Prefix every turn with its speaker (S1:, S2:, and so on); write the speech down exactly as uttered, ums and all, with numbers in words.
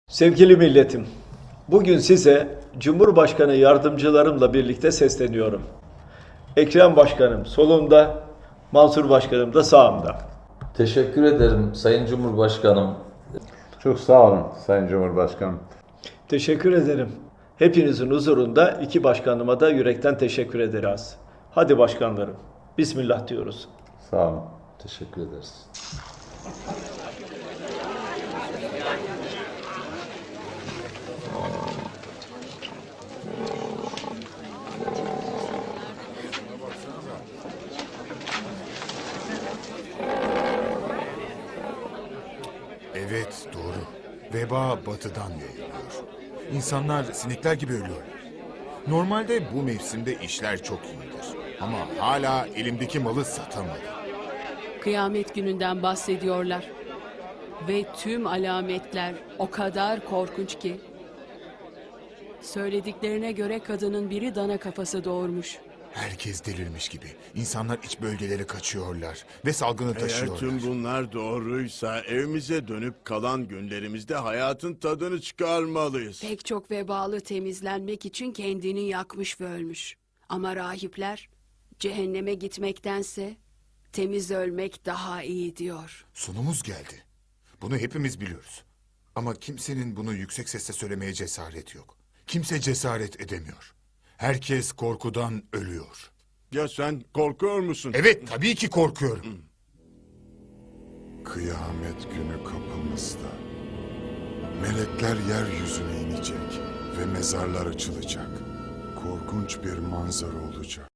S1: Sevgili milletim, bugün size Cumhurbaşkanı yardımcılarımla birlikte sesleniyorum. Ekrem Başkanım solumda, Mansur Başkanım da sağımda.
S2: Teşekkür ederim Sayın Cumhurbaşkanım.
S3: Çok sağ olun Sayın Cumhurbaşkanım.
S1: Teşekkür ederim. Hepinizin huzurunda iki başkanıma da yürekten teşekkür ederiz. Hadi başkanlarım, Bismillah diyoruz.
S3: Sağ olun.
S2: Teşekkür ederiz.
S4: Evet, doğru. Veba batıdan yayılıyor. İnsanlar sinekler gibi ölüyor. Normalde bu mevsimde işler çok iyidir. Ama hala elimdeki malı satamadım.
S5: Kıyamet gününden bahsediyorlar. Ve tüm alametler o kadar korkunç ki. Söylediklerine göre kadının biri dana kafası doğurmuş.
S4: Herkes delirmiş gibi. İnsanlar iç bölgelere kaçıyorlar ve salgını
S6: Eğer
S4: taşıyorlar.
S6: tüm bunlar doğruysa evimize dönüp kalan günlerimizde hayatın tadını çıkarmalıyız.
S5: Pek çok vebalı temizlenmek için kendini yakmış ve ölmüş. Ama rahipler cehenneme gitmektense temiz ölmek daha iyi diyor.
S4: Sonumuz geldi. Bunu hepimiz biliyoruz. Ama kimsenin bunu yüksek sesle söylemeye cesaret yok. Kimse cesaret edemiyor. Herkes korkudan ölüyor.
S6: Ya sen korkuyor musun?
S4: Evet, tabii ki korkuyorum.
S7: Kıyamet günü kapımızda. Melekler yeryüzüne inecek ve mezarlar açılacak. Korkunç bir manzara olacak.